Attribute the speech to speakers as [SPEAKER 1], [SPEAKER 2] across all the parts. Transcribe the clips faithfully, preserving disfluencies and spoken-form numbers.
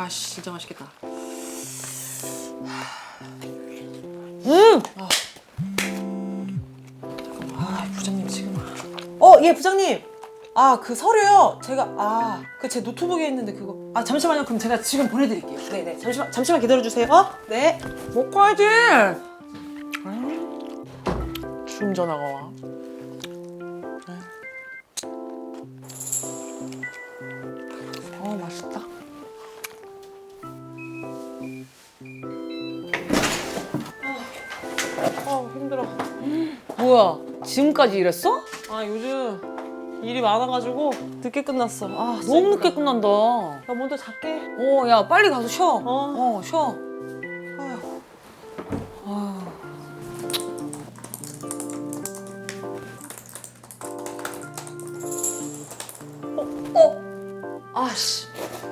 [SPEAKER 1] 아, 씨, 진짜 맛있겠다.
[SPEAKER 2] 음!
[SPEAKER 1] 아, 잠깐만. 아, 부장님 지금.
[SPEAKER 2] 어, 예, 부장님. 아, 그 서류요. 제가 아, 그 제 노트북에 있는데 그거. 아, 잠시만요. 그럼 제가 지금 보내드릴게요. 네, 네. 잠시만, 잠시만 기다려주세요. 네.
[SPEAKER 1] 먹어야지. 줌 전화가 와. 어, 맛있다.
[SPEAKER 2] 아, 힘들어.
[SPEAKER 1] 뭐야? 지금까지 일했어?
[SPEAKER 2] 아, 요즘 일이 많아가지고 늦게 끝났어. 아,
[SPEAKER 1] 너무 늦게 끝난다. 어,
[SPEAKER 2] 나 먼저 잘게.
[SPEAKER 1] 야, 빨리 가서 쉬어.
[SPEAKER 2] 어.
[SPEAKER 1] 어, 쉬어.
[SPEAKER 2] 아휴.
[SPEAKER 1] 아유. 어, 어. 아씨.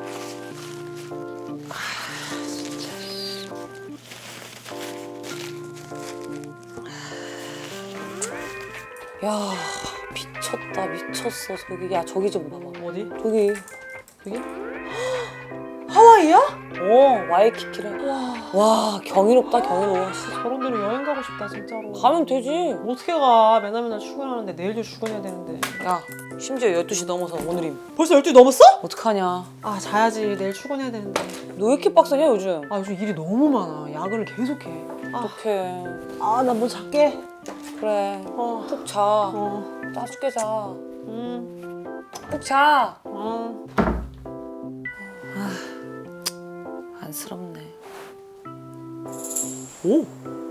[SPEAKER 1] 야, 미쳤다, 미쳤어. 저기, 야, 저기 좀 봐봐.
[SPEAKER 2] 어디?
[SPEAKER 1] 저기, 저기?
[SPEAKER 2] 하와이야?
[SPEAKER 1] 어, 와이키키래.
[SPEAKER 2] 와,
[SPEAKER 1] 와, 경이롭다, 경이로워. 씨,
[SPEAKER 2] 저런 데로 여행 가고 싶다, 진짜로.
[SPEAKER 1] 가면 되지.
[SPEAKER 2] 어떻게 가? 맨날 맨날 출근하는데 내일도 출근해야 되는데.
[SPEAKER 1] 야, 심지어 열두 시 넘어서 오늘임.
[SPEAKER 2] 벌써 열두 시 넘었어?
[SPEAKER 1] 어떡하냐.
[SPEAKER 2] 아, 자야지. 내일 출근해야 되는데.
[SPEAKER 1] 너 왜 이렇게 빡세냐, 요즘?
[SPEAKER 2] 아, 요즘 일이 너무 많아. 야근을 계속해. 아,
[SPEAKER 1] 어떡해.
[SPEAKER 2] 아, 나 뭐 잘게.
[SPEAKER 1] 그래.
[SPEAKER 2] 어,
[SPEAKER 1] 푹 자.
[SPEAKER 2] 어,
[SPEAKER 1] 짜죽게 자.
[SPEAKER 2] 음,
[SPEAKER 1] 푹 자.
[SPEAKER 2] 어.
[SPEAKER 1] 안쓰럽네.
[SPEAKER 2] 오.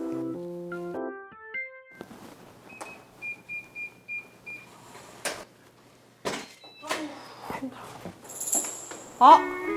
[SPEAKER 2] 아.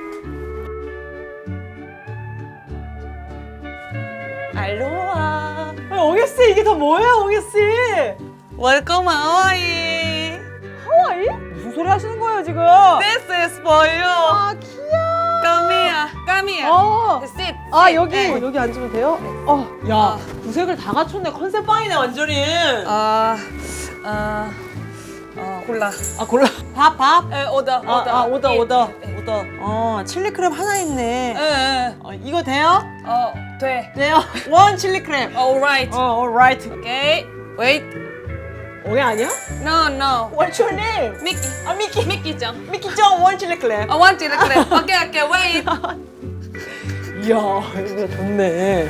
[SPEAKER 1] 알로하.
[SPEAKER 2] 아, 옹혜 씨, 이게 다 뭐예요, 옹혜 씨?
[SPEAKER 1] 웰컴 하와이.
[SPEAKER 2] 하와이? 무슨 소리 하시는 거예요, 지금?
[SPEAKER 1] This is for you.
[SPEAKER 2] 아, 귀여워.
[SPEAKER 1] Come here. Come here.
[SPEAKER 2] 어.
[SPEAKER 1] Sit.
[SPEAKER 2] 아,
[SPEAKER 1] sit.
[SPEAKER 2] 여기.
[SPEAKER 1] 네.
[SPEAKER 2] 어, 여기 앉으면 돼요? 어, 야, 구색을 다 갖췄네. 컨셉 빵이네, 완전히.
[SPEAKER 1] 아, 아, 어, 골라.
[SPEAKER 2] 아, 골라. 밥, 밥.
[SPEAKER 1] 에, 오더,
[SPEAKER 2] 아,
[SPEAKER 1] 오더.
[SPEAKER 2] 아, 오더,
[SPEAKER 1] 예,
[SPEAKER 2] 오더.
[SPEAKER 1] 예,
[SPEAKER 2] 오더. 어, 칠리 크랩 하나 있네.
[SPEAKER 1] 예, 예.
[SPEAKER 2] 어, 이거 돼요?
[SPEAKER 1] 어, 돼.
[SPEAKER 2] 돼요. 원 칠리 크랩.
[SPEAKER 1] Alright.
[SPEAKER 2] 어, alright.
[SPEAKER 1] Okay. Wait.
[SPEAKER 2] 오해 아니야?
[SPEAKER 1] No, no.
[SPEAKER 2] What's your name?
[SPEAKER 1] 미키.
[SPEAKER 2] 아, 미키.
[SPEAKER 1] 미키 짱.
[SPEAKER 2] 미키 짱 원 칠리 크랩.
[SPEAKER 1] I want you to clip. Okay, okay. Wait.
[SPEAKER 2] 이야, 이거 좋네.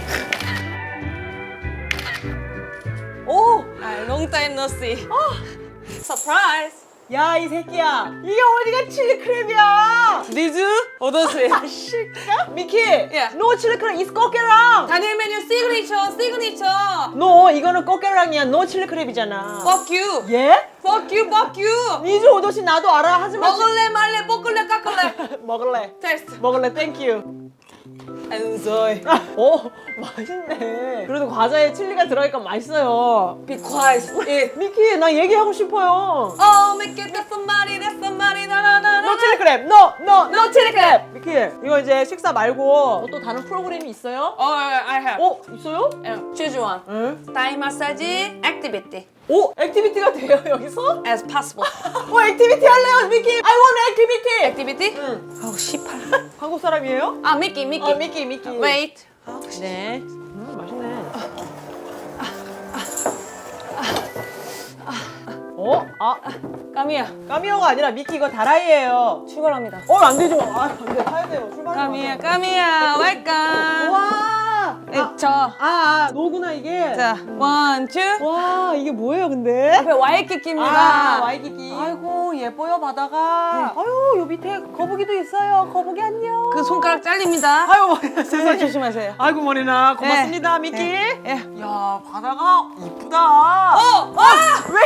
[SPEAKER 2] 오!
[SPEAKER 1] 아, long time no see. Surprise.
[SPEAKER 2] 야, 이 새끼야. 이게 어디가 칠리 크랩이야?
[SPEAKER 1] Did you? 어떠세요?
[SPEAKER 2] 실까? 미키.
[SPEAKER 1] 예.
[SPEAKER 2] 노 칠리 크랩 is 꼬깨랑.
[SPEAKER 1] 단일 메뉴 시그니처, 시그니처.
[SPEAKER 2] 노, 이거는 꼬깨랑이야. 노 칠리 크랩이잖아.
[SPEAKER 1] Fuck you.
[SPEAKER 2] 예?
[SPEAKER 1] Fuck you, fuck you.
[SPEAKER 2] 니즈 오도시 나도 알아. 하지만
[SPEAKER 1] 먹을래 말래 볶을래 깎을래.
[SPEAKER 2] 먹을래.
[SPEAKER 1] 테스트.
[SPEAKER 2] 먹을래. 땡큐.
[SPEAKER 1] 엔조이.
[SPEAKER 2] 어, 맛있네. 그래도 과자에 칠리가 들어가니까 맛있어요.
[SPEAKER 1] Be quiet. Eat.
[SPEAKER 2] 미키, 나 얘기하고 싶어요.
[SPEAKER 1] Oh, make it that somebody, that somebody, na na na
[SPEAKER 2] 노
[SPEAKER 1] na.
[SPEAKER 2] 칠리 크랩. 노, 노, 노 칠리 크랩. 미키, 이거 이제 식사 말고 또 다른 프로그램이 있어요?
[SPEAKER 1] Oh, I have.
[SPEAKER 2] 어, 있어요?
[SPEAKER 1] 어, choose one.
[SPEAKER 2] 응.
[SPEAKER 1] 타이 마사지, 액티비티.
[SPEAKER 2] 오, 액티비티가 돼요, 여기서?
[SPEAKER 1] As possible.
[SPEAKER 2] 어, 액티비티 할래요, 미키. I want 액티비티.
[SPEAKER 1] 액티비티?
[SPEAKER 2] 응.
[SPEAKER 1] 아우, 씨팔.
[SPEAKER 2] 한국 사람이에요?
[SPEAKER 1] 아, 미키, 미키.
[SPEAKER 2] 어, 미키, 미키.
[SPEAKER 1] Wait.
[SPEAKER 2] 네. 음, 맛있네. 어? 아,
[SPEAKER 1] 까미야.
[SPEAKER 2] 까미오가 아니라 미키 이거 다라이예요.
[SPEAKER 1] 출발합니다.
[SPEAKER 2] 어, 안 되죠. 아, 안 돼. 타야 돼요. 출발.
[SPEAKER 1] 까미야, 까미야, 웰컴.
[SPEAKER 2] 와.
[SPEAKER 1] 네,
[SPEAKER 2] 아,
[SPEAKER 1] 저.
[SPEAKER 2] 아, 아, 노구나 이게.
[SPEAKER 1] 자, 원, 투.
[SPEAKER 2] 와, 이게 뭐예요, 근데?
[SPEAKER 1] 앞에 와이키키입니다.
[SPEAKER 2] 아, 와이키키.
[SPEAKER 1] 아이고,
[SPEAKER 2] 예뻐요, 바다가. 아유, 요 밑에 거북이도 있어요. 거북이 안녕.
[SPEAKER 1] 그 손가락 잘립니다.
[SPEAKER 2] 아유, 머리나 세상에.
[SPEAKER 1] 조심하세요.
[SPEAKER 2] 아이고, 머리나. 고맙습니다, 미키.
[SPEAKER 1] 예. 예.
[SPEAKER 2] 야, 바다가 이쁘다.
[SPEAKER 1] 어! 아!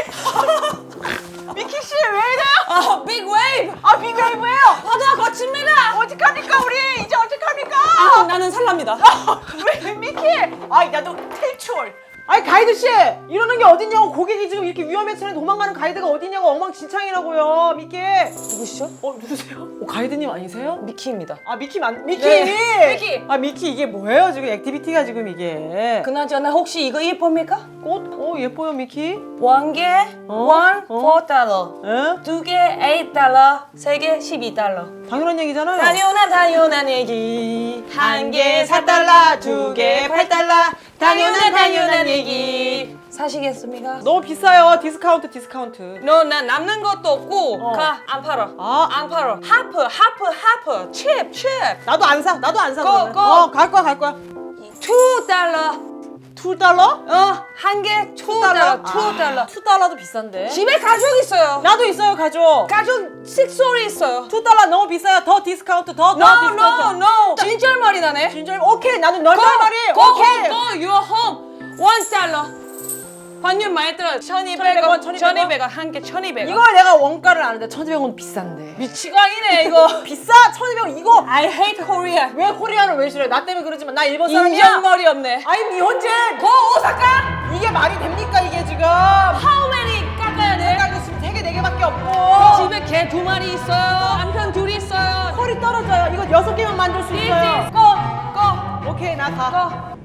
[SPEAKER 2] 왜? 미키 씨, 왜 이래요?
[SPEAKER 1] 아, 빅 웨이브!
[SPEAKER 2] 아, 빅웨이브예요?
[SPEAKER 1] 바다 거칩니다!
[SPEAKER 2] 어떡합니까, 우리? 이제 어떡합니까?
[SPEAKER 1] 아, 나는 살랍니다.
[SPEAKER 2] 왜, 미키? 아, 나도 탈출. 아니 가이드 씨 이러는 게 어딨냐고. 고객이 지금 이렇게 위험에 처해 도망가는 가이드가 어딨냐고. 엉망진창이라고요. 미키.
[SPEAKER 1] 누구시죠?
[SPEAKER 2] 어 누구세요? 어, 가이드님 아니세요?
[SPEAKER 1] 미키입니다.
[SPEAKER 2] 아 미키 만 미키.
[SPEAKER 1] 네, 미키.
[SPEAKER 2] 아 미키 이게 뭐예요 지금 액티비티가 지금 이게.
[SPEAKER 1] 그나저나 혹시 이거 예쁩니까?
[SPEAKER 2] 꽃? 어 예뻐요 미키.
[SPEAKER 1] 원 개,
[SPEAKER 2] 어?
[SPEAKER 1] 원,
[SPEAKER 2] 어?
[SPEAKER 1] 사 달러.
[SPEAKER 2] 에?
[SPEAKER 1] 두 개, 팔 달러. 세 개, 십이 달러.
[SPEAKER 2] 당연한 얘기잖아요.
[SPEAKER 1] 당연한 당연한 얘기.
[SPEAKER 2] 한 개 사 달러, 두 개 팔 달러. 당연한 당연한 얘기.
[SPEAKER 1] 사시겠습니까?
[SPEAKER 2] 너무 비싸요. 디스카운트 디스카운트.
[SPEAKER 1] 너 나 남는 것도 없고
[SPEAKER 2] 어.
[SPEAKER 1] 가 안 팔아.
[SPEAKER 2] 아.
[SPEAKER 1] 안 팔아. 하프 하프 하프 칩 칩.
[SPEAKER 2] 나도 안 사. 나도 안 사.
[SPEAKER 1] 고,
[SPEAKER 2] 그러면.
[SPEAKER 1] 고.
[SPEAKER 2] 어, 갈 거야, 갈 거야.
[SPEAKER 1] 투 달러.
[SPEAKER 2] 투 달러?
[SPEAKER 1] 어, 한 개 투 달러. 투 달러.
[SPEAKER 2] 투 달러도 비싼데.
[SPEAKER 1] 집에 가족 있어요.
[SPEAKER 2] 나도 있어요, 가족.
[SPEAKER 1] 가족 식소리 있어요.
[SPEAKER 2] 투 달러 너무 비싸요. 더 디스카운트, 더, 더
[SPEAKER 1] No, no,
[SPEAKER 2] 디스카운트.
[SPEAKER 1] no. 진짜 말이 나네.
[SPEAKER 2] 진짜 오케이. 나는 널 말이.
[SPEAKER 1] Go,
[SPEAKER 2] 오케이.
[SPEAKER 1] go, go, your home. 원 달러. 환율 많이 들어. 천이백 원, 천이백 원, 한 개 천이백 원.
[SPEAKER 2] 이걸 내가 원가를 아는데 천이백 원 비싼데.
[SPEAKER 1] 미치광이네 이거.
[SPEAKER 2] 비싸? 천이백 원 이거.
[SPEAKER 1] I hate Korea.
[SPEAKER 2] 왜 코리아는 왜 싫어해? 나 때문에 그러지만 나 일본 사람이야.
[SPEAKER 1] 인정머리 없네.
[SPEAKER 2] 아니 니혼진.
[SPEAKER 1] 고 오사카.
[SPEAKER 2] 이게 말이 됩니까 이게 지금?
[SPEAKER 1] How many 깎아야 돼?
[SPEAKER 2] 내가 이거 지금 되게 네 개밖에 없고.
[SPEAKER 1] 집에 개 두 마리 있어요. 남편 둘이 있어요.
[SPEAKER 2] 털이 떨어져요. 이거 여섯 개만 만들 수 있어요.
[SPEAKER 1] This is go, go,
[SPEAKER 2] 오케이 나 가.
[SPEAKER 1] go.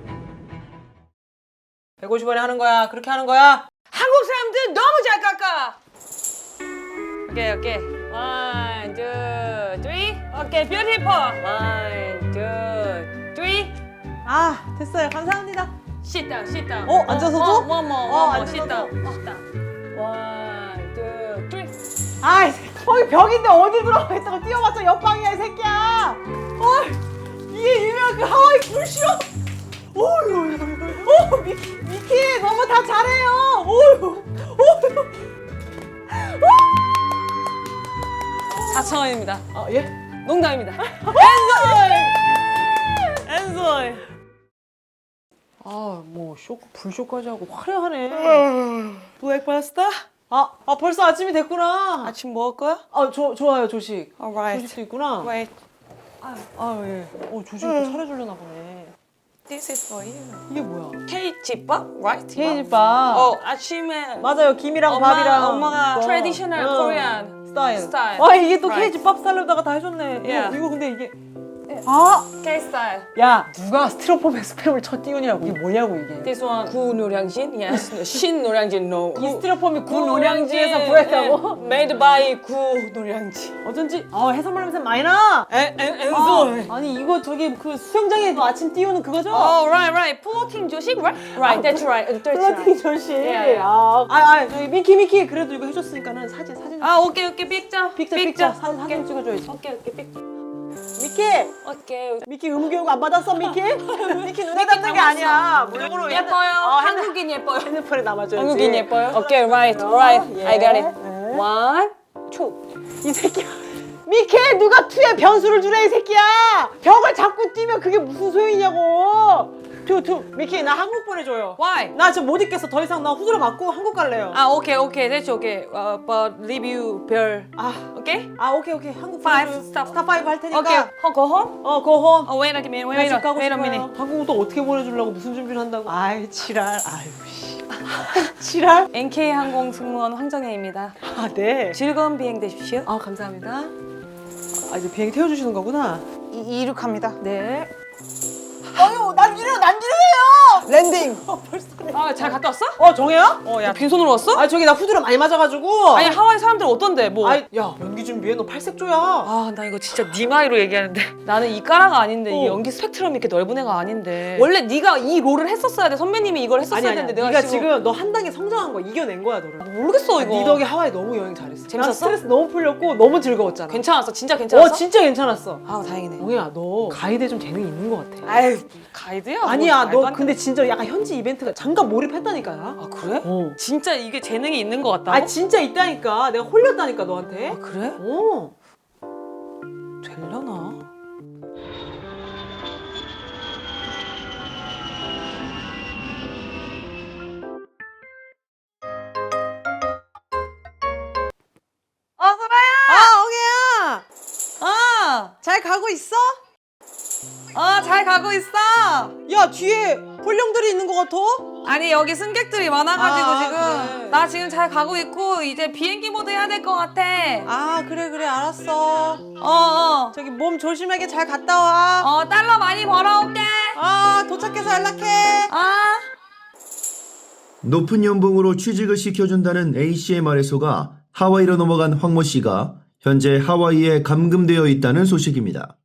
[SPEAKER 2] 백오십 원에 하는 거야. 그렇게 하는 거야.
[SPEAKER 1] 한국 사람들 너무 잘 깎아. 오케이 오케이. One, two, three. 오케이, beautiful. One, two, three.
[SPEAKER 2] 아 됐어요. 감사합니다.
[SPEAKER 1] Sit down, sit down.
[SPEAKER 2] 어, 앉아서도?
[SPEAKER 1] 어, one more,
[SPEAKER 2] 어,
[SPEAKER 1] one more. Sit
[SPEAKER 2] 앉아서도?
[SPEAKER 1] down, sit down. One, two, three.
[SPEAKER 2] 아이 거기 벽인데 어디 들어가 있다고 뛰어봤자 옆방이야 이 새끼야. 어 이게 유명한 그 하와이 불쇼. 오유 오 미키 미키 너무 다 잘해요. 오유 오유.
[SPEAKER 1] 사천 원입니다.
[SPEAKER 2] 아 예?
[SPEAKER 1] 농담입니다.
[SPEAKER 2] 엔소이. 아뭐 쇼크 불쇼까지 하고 화려하네.
[SPEAKER 1] 브렉파스트?
[SPEAKER 2] 아, 아 벌써 아침이 됐구나.
[SPEAKER 1] 아침 먹을 거야?
[SPEAKER 2] 아, 저 좋아요 조식.
[SPEAKER 1] Alright.
[SPEAKER 2] 조식도 있구나.
[SPEAKER 1] Wait,
[SPEAKER 2] 아 예. 어 조식도 차려주려나 보네.
[SPEAKER 1] this is for you.
[SPEAKER 2] 이게 뭐야?
[SPEAKER 1] K-집밥, right?
[SPEAKER 2] 케이집밥.
[SPEAKER 1] 어, 아침에
[SPEAKER 2] 맞아요. 김이랑
[SPEAKER 1] 엄마,
[SPEAKER 2] 밥이랑.
[SPEAKER 1] 엄마가
[SPEAKER 2] 그거.
[SPEAKER 1] traditional
[SPEAKER 2] 응.
[SPEAKER 1] Korean
[SPEAKER 2] 스타일.
[SPEAKER 1] 스타일.
[SPEAKER 2] 아 이게 또
[SPEAKER 1] Right.
[SPEAKER 2] 케이집밥 스타일로다가 다 해줬네.
[SPEAKER 1] Yeah.
[SPEAKER 2] 이거, 이거 근데 이게. 아,
[SPEAKER 1] K style.
[SPEAKER 2] 야 누가 스티로폼에 스팸을 쳐 띄우냐고. 이게 뭐냐고 이게.
[SPEAKER 1] This one 구 노량진, yes. 신 노량진 no.
[SPEAKER 2] 이 스티로폼이 구
[SPEAKER 1] 구
[SPEAKER 2] 노량진에서
[SPEAKER 1] 노량진,
[SPEAKER 2] 구했다고.
[SPEAKER 1] 예. Made by 구 노량진.
[SPEAKER 2] 어쩐지 아 해산물 냄새 많이 나.
[SPEAKER 1] 엔, 엔,
[SPEAKER 2] 아,
[SPEAKER 1] 엔솔.
[SPEAKER 2] 아니 이거 저기 그 수영장에 아침 띄우는 그거죠?
[SPEAKER 1] Oh, right, right. 플로팅 조식, right? Right, that's right. That's
[SPEAKER 2] 플라팅
[SPEAKER 1] right.
[SPEAKER 2] 조식.
[SPEAKER 1] 예, 예.
[SPEAKER 2] 아, 아, 아, 저기 미키 미키 그래도 이거 해줬으니까는 사진 사진.
[SPEAKER 1] 아, 오케이, 오케이. 픽자.
[SPEAKER 2] 픽자 픽자 사진 사진 찍어줘야지.
[SPEAKER 1] 오케이, 오케이. 픽자.
[SPEAKER 2] 미키
[SPEAKER 1] 오케이.
[SPEAKER 2] 미키 음교육 안 받았어 미키? 미키 눈에 담는 게 아니야. 물건으로
[SPEAKER 1] 예뻐요.
[SPEAKER 2] 어, 핸드-
[SPEAKER 1] 한국인 예뻐요.
[SPEAKER 2] 핸드폰에 남아줘야지.
[SPEAKER 1] 한국인 예뻐요. 오케이, right, right.
[SPEAKER 2] 예.
[SPEAKER 1] I got it.
[SPEAKER 2] 예.
[SPEAKER 1] One, two.
[SPEAKER 2] 이 새끼야. 미키 누가 투에 변수를 주래 이 새끼야. 벽을 자꾸 뛰면 그게 무슨 소용이냐고. 투투 미키 나 한국 보내줘요.
[SPEAKER 1] Why?
[SPEAKER 2] 나 지금 못 있겠어. 더 이상 나 후드로 맞고 한국 갈래요.
[SPEAKER 1] 아, 오케이, 오케이. That's okay. Uh, but review 별.
[SPEAKER 2] 아,
[SPEAKER 1] 오케이?
[SPEAKER 2] 아 오케이 오케이 한국
[SPEAKER 1] Five,
[SPEAKER 2] 보내줘요.
[SPEAKER 1] stop.
[SPEAKER 2] 스타 파이브 할 테니까.
[SPEAKER 1] 오케이. 어, go home?
[SPEAKER 2] 어 고홈.
[SPEAKER 1] Oh, wait a minute.
[SPEAKER 2] 나
[SPEAKER 1] Wait
[SPEAKER 2] 집
[SPEAKER 1] a
[SPEAKER 2] 가고
[SPEAKER 1] wait a
[SPEAKER 2] 싶어요.
[SPEAKER 1] minute.
[SPEAKER 2] 한국은 또 어떻게 보내주려고 무슨 준비를 한다고. 아이 지랄. 아유 씨. 지랄.
[SPEAKER 1] 엔케이 항공 승무원 황정혜입니다.
[SPEAKER 2] 아 네.
[SPEAKER 1] 즐거운 비행 되십시오.
[SPEAKER 2] 아 감사합니다. 아 이제 비행기 태워주시는 거구나.
[SPEAKER 1] 이, 이륙합니다.
[SPEAKER 2] 네. 아유 난지르 난지르해요. 랜딩. 어 벌써 그래.
[SPEAKER 1] 아, 잘 갔다 왔어?
[SPEAKER 2] 어 정혜야?
[SPEAKER 1] 어, 야, 빈손으로 왔어?
[SPEAKER 2] 아 저기 나 후드를 많이 맞아가지고.
[SPEAKER 1] 아니, 하와이 사람들 어떤데, 뭐.
[SPEAKER 2] 아이, 야 연기 준비해 너 팔색조야.
[SPEAKER 1] 아, 나 이거 진짜 네 나이로 얘기하는데 나는 이 까라가 아닌데 이
[SPEAKER 2] 어.
[SPEAKER 1] 연기 스펙트럼이 이렇게 넓은 애가 아닌데 원래 네가 이 롤을 했었어야 돼. 선배님이 이걸 했었어야
[SPEAKER 2] 아니 아니.
[SPEAKER 1] 되는데
[SPEAKER 2] 네가
[SPEAKER 1] 내가
[SPEAKER 2] 지금,
[SPEAKER 1] 지금
[SPEAKER 2] 너 한 단계 성장한 거 이겨낸 거야 너를.
[SPEAKER 1] 모르겠어 이거.
[SPEAKER 2] 네 덕에 하와이 너무 여행 잘했어.
[SPEAKER 1] 재밌었어?
[SPEAKER 2] 난 스트레스 너무 풀렸고 너무 즐거웠잖아.
[SPEAKER 1] 괜찮았어? 진짜 괜찮았어?
[SPEAKER 2] 어 진짜 괜찮았어.
[SPEAKER 1] 아, 다행이네.
[SPEAKER 2] 정혜야 너 가이드에 좀 재능이 있는 것 같아.
[SPEAKER 1] 아유, 가이드야?
[SPEAKER 2] 아니야
[SPEAKER 1] 뭐 말도
[SPEAKER 2] 너
[SPEAKER 1] 안
[SPEAKER 2] 근데 진짜 약간 현지 이벤트가 잠깐 몰입했다니까.
[SPEAKER 1] 아, 그래?
[SPEAKER 2] 어.
[SPEAKER 1] 진짜 이게 재능이 있는 것 같다고?
[SPEAKER 2] 아 진짜 있다니까. 내가 홀렸다니까 너한테.
[SPEAKER 1] 아, 그래?
[SPEAKER 2] 어.
[SPEAKER 1] 되려나? 어, 소라야!
[SPEAKER 2] 아 엉애야.
[SPEAKER 1] 어!
[SPEAKER 2] 잘 가고 있어?
[SPEAKER 1] 어, 잘 가고 있어!
[SPEAKER 2] 야 뒤에 불량들이 있는 것 같아?
[SPEAKER 1] 아니 여기 승객들이 많아가지고
[SPEAKER 2] 아,
[SPEAKER 1] 지금
[SPEAKER 2] 그래.
[SPEAKER 1] 나 지금 잘 가고 있고 이제 비행기 모드 해야 될 것 같아.
[SPEAKER 2] 아 그래 그래 알았어.
[SPEAKER 1] 어어
[SPEAKER 2] 저기 몸 조심하게 잘 갔다 와.
[SPEAKER 1] 어, 달러 많이 벌어올게.
[SPEAKER 2] 아 도착해서 연락해.
[SPEAKER 1] 아.
[SPEAKER 3] 높은 연봉으로 취직을 시켜준다는 A씨의 말에 속아 하와이로 넘어간 황모 씨가 현재 하와이에 감금되어 있다는 소식입니다.